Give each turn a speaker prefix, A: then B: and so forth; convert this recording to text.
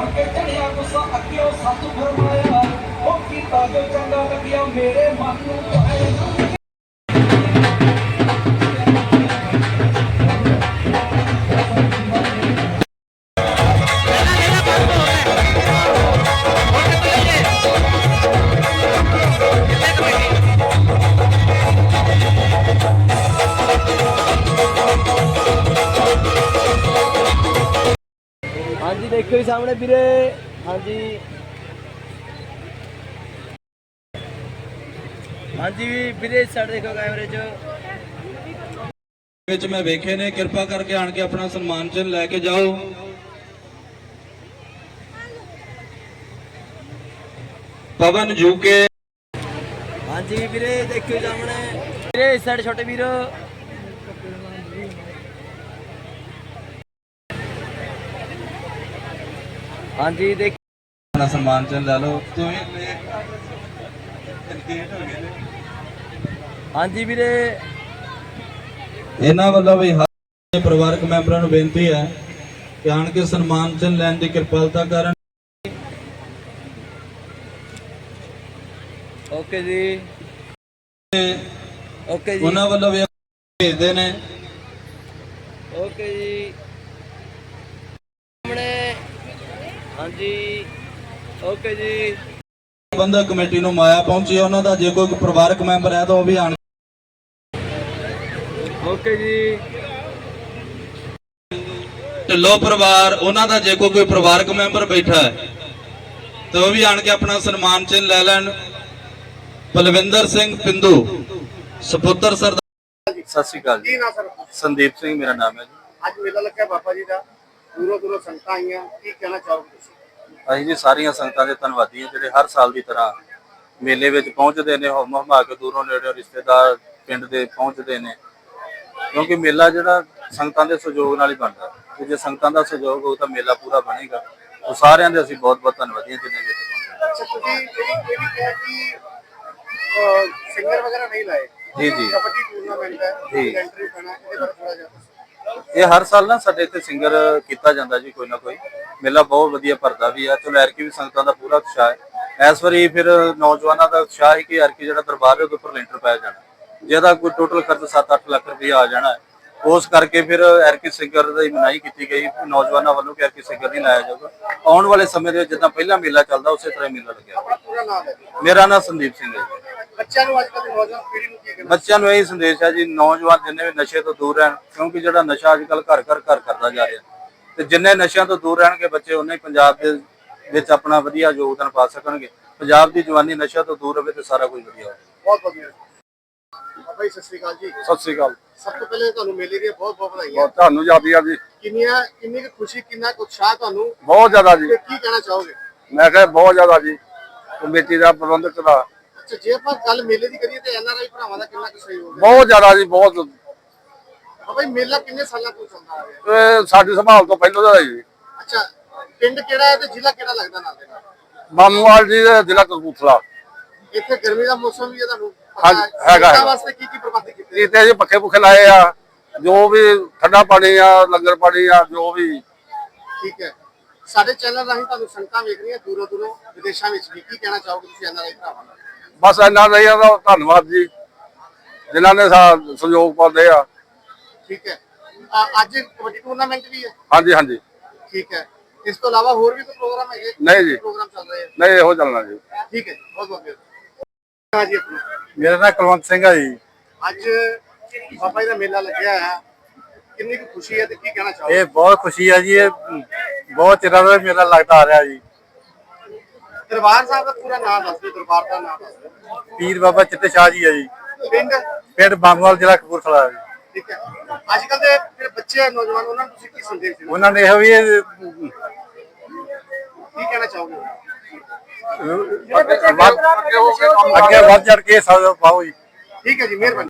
A: के चढ़िया गुस्सा अग्यो सच फरमाया ओ कीता जो चंगा लगिया मेरे मन नूं पाए।
B: हाँ जी देखो सामने वीरे। हाँ जी हाँ जी वीरे साइड देखो कैमरे च
C: मैं वेखे ने कृपा करके आन के अपना सम्मान चिन्ह लैके जाओ। पवन जूके।
B: हाँ जी वीरे देखो सामने वीरे इस साइड छोटे वीर। हाँ जी देख
C: अपना सम्मान चिन्ह लै लो।
B: हाँ जी वीरे
C: इन्हां वालों भी हर परिवारक मैंबरां नूं बेनती है कि आन के सम्मान चिन्ह लैण दी किरपालता करन।
B: ओके जी ओके जी
C: उन्हां वालों भी भेजदे ने।
B: ओके जी सामने। हाँ जी ओके जी
C: प्रबंधक कमेटी नूं माया पहुंची उन्हां दा जे कोई परिवारक मैंबर है तो वह भी आन।
B: ओके जी
C: ढिल्लो परिवार उन्हां दा जे कोई परिवारक मैंबर बैठा है तो वह भी आन के अपना सम्मान चिन्ह लै लैण। बलविंदर सिंह पिंदू सपुत्र सरदार।
D: सत श्री अकाल जी। संदीप सिंह मेरा नाम है जी।
E: ਅੱਜ ਮੇਲਾ ਲੱਗਿਆ ਬਾਬਾ ਜੀ ਦਾ ਦੂਰੋਂ ਦੂਰੋਂ ਸੰਗਤਾਂ ਆਈਆਂ ਕੀ ਕਹਿਣਾ ਚਾਹੋਗੇ ਤੁਸੀਂ?
D: ਅਸੀਂ ਜੀ ਸਾਰੀਆਂ ਸੰਗਤਾਂ ਦੇ ਧੰਨਵਾਦੀ ਹਾਂ ਜਿਹੜੇ ਹਰ ਸਾਲ ਦੀ ਤਰ੍ਹਾਂ ਮੇਲੇ ਵਿੱਚ ਪਹੁੰਚਦੇ ਨੇ। ਹੁਮ ਹੁਮਾ ਕੇ ਦੂਰੋਂ ਨੇੜੇ ਰਿਸ਼ਤੇਦਾਰ ਪਿੰਡ ਦੇ ਪਹੁੰਚਦੇ ਨੇ ਕਿਉਂਕਿ ਮੇਲਾ ਜਿਹੜਾ ਸੰਗਤਾਂ ਦੇ ਸਹਿਯੋਗ ਨਾਲ ਹੀ ਬਣਦਾ ਤੇ ਜੇ ਸੰਗਤਾਂ ਦਾ ਸਹਿਯੋਗ ਹੋਊ ਤਾਂ ਮੇਲਾ ਪੂਰਾ ਬਣੇਗਾ। ਉਹ ਸਾਰਿਆਂ ਦੇ ਅਸੀਂ ਬਹੁਤ ਬਹੁਤ ਧੰਨਵਾਦੀ ਹਾਂ ਜਿਨ੍ਹਾਂ ਨੇ।
E: ਅੱਛਾ ਤੁਸੀਂ ਇਹ ਵੀ ਕਿਹਾ ਕਿ ਸਿੰਗਰ ਵਗੈਰਾ ਨਹੀਂ ਲਾਏ।
D: ਜੀ ਜੀ
E: ਕਬੱਡੀ ਟੂਰਨਾਮੈਂਟ ਹੈ
D: ਜੀ।
E: ਐਂਟਰੀ ਪੈਣਾ ਇਹਦੇ ਬਾਰੇ ਥੋੜਾ ਜਿਹਾ
D: ਇਹ ਹਰ ਸਾਲ ਨਾ ਸਾਡੇ ਇੱਥੇ ਸਿੰਗਰ ਕੀਤਾ ਜਾਂਦਾ ਜੀ ਕੋਈ ਨਾ ਕੋਈ। ਮੇਲਾ ਬਹੁਤ ਵਧੀਆ ਭਰਦਾ ਵੀ ਆ। ਚਲੋ ਐਰਕੀ ਵੀ ਸੰਗਤਾਂ ਦਾ ਪੂਰਾ ਉਤਸ਼ਾਹ ਹੈ। ਇਸ ਵਾਰੀ ਫਿਰ ਨੌਜਵਾਨਾਂ ਦਾ ਉਤਸ਼ਾਹ ਹੈ ਕਿ ਐਰਕੀ ਜਿਹੜਾ ਦਰਬਾਰ ਹੈ ਉਹਦੇ ਉੱਪਰ ਲੈਂਟਰ ਪਾਇਆ ਜਾਣਾ ਜਿਹਦਾ ਕੋਈ ਟੋਟਲ ਖਰਚ 7-8 ਲੱਖ ਰੁਪਇਆ ਆ ਜਾਣਾ ਹੈ। ਉਸ ਕਰਕੇ ਫਿਰ ਐਰਕੀ ਸਿੰਗਰ ਦੀ ਮਨਾਹੀ ਕੀਤੀ ਗਈ ਨੌਜਵਾਨਾਂ ਵੱਲੋਂ ਕਿ ਐਰਕੀ ਸਿੰਗਰ ਨਹੀਂ ਲਾਇਆ ਜਾਊਗਾ। ਆਉਣ ਵਾਲੇ ਸਮੇਂ ਦੇ ਵਿੱਚ ਜਿੱਦਾਂ ਪਹਿਲਾਂ ਮੇਲਾ ਚੱਲਦਾ ਉਸੇ ਤਰ੍ਹਾਂ ਮੇਲਾ ਲੱਗਿਆ।
E: ਆਪਣਾ ਪੂਰਾ ਨਾਮ ਹੈ?
D: ਮੇਰਾ ਨਾਮ ਸੰਦੀਪ ਸਿੰਘ ਹੈ ਜੀ।
E: ਬੱਚਿਆਂ ਨੂੰ ਅੱਜ ਕੱਲ੍ਹ ਦੀ ਨੌਜਵਾਨ ਪੀੜ੍ਹੀ ਨੂੰ ਕੀ ਕਹਿਣਾ?
D: ਬੱਚਿਆਂ ਨੂੰ ਇਹੀ ਸੰਦੇਸ਼ ਹੈ ਜੀ ਨੌਜਵਾਨ ਜਿੰਨੇ ਵੀ ਨਸ਼ੇ ਤੋਂ ਦੂਰ ਰਹਿਣ ਕਿਉਂਕਿ ਜਿਹੜਾ ਨਸ਼ਾ ਅੱਜ ਕੱਲ੍ਹ ਘਰ ਘਰ ਕਰਦਾ ਜਾ ਰਿਹਾ ਤੇ ਜਿੰਨੇ ਨਸ਼ਿਆਂ ਤੋਂ ਦੂਰ ਰਹਿਣਗੇ ਬੱਚੇ ਉਹਨੇ ਹੀ ਪੰਜਾਬ ਦੇ ਵਿੱਚ ਆਪਣਾ ਵਧੀਆ ਯੋਗਦਾਨ ਪਾ ਸਕਣਗੇ। ਪੰਜਾਬ ਦੀ ਜਵਾਨੀ ਨਸ਼ਿਆਂ ਤੋਂ ਦੂਰ ਰਹੇ ਤੇ ਸਾਰਾ ਕੁਝ ਵਧੀਆ ਹੋਵੇ।
E: ਬਹੁਤ ਵਧੀਆ ਬਾਬਾ ਜੀ ਸਤਿ ਸ਼੍ਰੀ ਅਕਾਲ ਜੀ।
F: ਸਤਿ ਸ੍ਰੀ ਅਕਾਲ।
E: ਸਭ ਤੋਂ ਪਹਿਲੇ ਤੁਹਾਨੂੰ ਮੇਲੇ ਦੀਆਂ ਬਹੁਤ ਬਹੁਤ ਵਧਾਈਆਂ।
F: ਤੁਹਾਨੂੰ ਯਾਦੀਆਂ ਜੀ
E: ਕਿੰਨੀ ਕੁ ਖੁਸ਼ੀ ਕਿੰਨਾ ਕੁ ਉਤਸ਼ਾਹ ਤੁਹਾਨੂੰ
F: ਬਹੁਤ ਜ਼ਿਆਦਾ ਜੀ।
E: ਤੇ ਕੀ ਕਹਿਣਾ ਚਾਹੋਗੇ?
F: ਮੈਂ ਕਿਹਾ ਬਹੁਤ ਜ਼ਿਆਦਾ ਜੀ ਕਮੇਟੀ ਦਾ ਪ੍ਰਬੰਧਕ ਦਾ
E: ਅੱਛਾ ਜੇ ਆਪਾਂ ਗੱਲ ਮੇਲੇ ਦੀ ਕਰੀਏ ਤੇ ਐਨਆਰਆਈ ਭਰਾਵਾਂ ਦਾ ਕਿੰਨਾ ਕੁ ਸਹਿਯੋਗ ਹੈ?
F: ਬਹੁਤ ਜ਼ਿਆਦਾ ਜੀ ਬਹੁਤ।
E: ਬਾਬਾ ਜੀ ਮੇਲਾ ਕਿੰਨੇ ਸਾਲਾਂ ਤੋਂ ਚੱਲਦਾ ਆ ਰਿਹਾ?
F: ਇਹ ਸਾਡੀ ਸੰਭਾਲ ਤੋਂ ਪਹਿਲਾਂ ਦਾ ਜੀ।
E: ਅੱਛਾ ਪਿੰਡ ਕਿਹੜਾ ਹੈ ਤੇ ਜ਼ਿਲ੍ਹਾ ਕਿਹੜਾ ਲੱਗਦਾ ਨਾਲ ਦੇ ਨਾਲ?
F: ਮਾਮੂਵਾਲ ਜੀ ਦੇ ਜ਼ਿਲ੍ਹਾ ਕਪੂਰਥਲਾ।
E: ਇੱਥੇ ਗਰਮੀ ਦਾ ਮੌਸਮ ਵੀ ਹੈ ਤੁਹਾਨੂੰ
F: ਹਾਂਜੀ, ਹੈਗਾ।
E: ਸੰਗਤਾਂ ਵਾਸਤੇ ਕੀ ਪ੍ਰਬੰਧ ਕੀਤੇ?
F: ਇੱਥੇ ਜੀ ਪੱਖੇ ਪੁੱਖੇ ਲਾਏ ਆ ਜੋ ਵੀ ਠੰਡਾ ਪਾਣੀ ਆ ਲੰਗਰ ਪਾਣੀ ਆ ਜੋ ਵੀ।
E: ਠੀਕ ਹੈ ਸਾਡੇ ਚੈਨਲ ਰਾਹੀਂ ਤੁਹਾਨੂੰ ਸੰਗਤਾਂ ਵੇਖ ਰਹੀਆਂ ਦੂਰੋਂ ਦੂਰੋਂ ਵਿਦੇਸ਼ਾਂ ਵਿੱਚ ਵੀ ਕੀ ਕਹਿਣਾ ਚਾਹੋਗੇ ਤੁਸੀਂ ਐਨਆਰਆਈ ਭਰਾਵਾਂ ਨੂੰ?
F: ਬਸ ਇਹਨਾਂ ਦਾ ਧੰਨਵਾਦ ਜੀ ਜਿਨ੍ਹਾਂ ਨੇ ਸਹਿਯੋਗ ਪਾਉਂਦੇ ਆ।
E: ਠੀਕ ਹੈ ਅੱਜ ਕਬੱਡੀ ਟੂਰਨਾਮੈਂਟ ਵੀ ਹੈ?
F: ਹਾਂਜੀ ਹਾਂਜੀ।
E: ਠੀਕ ਹੈ ਇਸ ਤੋਂ ਇਲਾਵਾ ਹੋਰ ਵੀ ਕੋਈ ਪ੍ਰੋਗਰਾਮ ਹੈਗੇ?
F: ਨਹੀਂ ਜੀ
E: ਪ੍ਰੋਗਰਾਮ ਚੱਲ ਰਹੇ
F: ਨਹੀਂ ਇਹੋ ਚੱਲਣਾ ਜੀ।
E: ਠੀਕ ਹੈ ਬਹੁਤ ਬਹੁਤ ਹਾਂ ਜੀ। ਆਪਣਾ
F: ਮੇਰਾ ਨਾਮ ਕੁਲਵੰਤ ਸਿੰਘ ਆ ਜੀ।
E: ਅੱਜ ਬਾਬਾ ਜੀ ਦਾ ਮੇਲਾ ਲੱਗਿਆ ਹੈ ਕਿੰਨੀ ਕੁ ਖੁਸ਼ੀ ਹੈ ਤੇ ਕੀ ਕਹਿਣਾ ਚਾਹੋਗੇ?
F: ਇਹ ਬਹੁਤ ਖੁਸ਼ੀ ਆ ਜੀ। ਇਹ ਬਹੁਤ ਚਿਰਾਂ ਦਾ ਮੇਲਾ ਲੱਗਦਾ ਆ ਰਿਹਾ ਜੀ।
E: ਦਰਬਾਰ ਸਾਹਿਬ ਦਾ ਪੂਰਾ ਨਾਮ ਦੱਸ ਦਿਓ। ਦਰਬਾਰ ਦਾ ਨਾਮ ਦੱਸ ਦਿਓ।
F: ਪੀਰ ਬਾਬਾ ਚਿੱਟੇ ਸ਼ਾਹ ਜੀ ਆ ਜੀ।
E: ਪਿੰਡ
F: ਬਾਂਗਵਾਲ ਜ਼ਿਲ੍ਹਾ ਕਪੂਰਥਲਾ ਜੀ।
E: ਠੀਕ ਹੈ ਅੱਜ ਕੱਲ ਦੇ ਜਿਹੜੇ ਬੱਚੇ ਆ ਨੌਜਵਾਨ ਉਹਨਾਂ ਨੂੰ ਤੁਸੀਂ ਕੀ ਸੰਦੇਸ਼ ਦਿਓ?
F: ਉਹਨਾਂ ਨੇ ਇਹੋ ਵੀ
E: ਕੀ ਕਹਿਣਾ ਚਾਹੋਗੇ?
F: ਅੱਗੇ ਵੱਧ ਚੜ ਕੇ ਪਾਓ ਜੀ।
E: ਠੀਕ ਹੈ ਜੀ ਮਿਹਰਬਾਨੀ।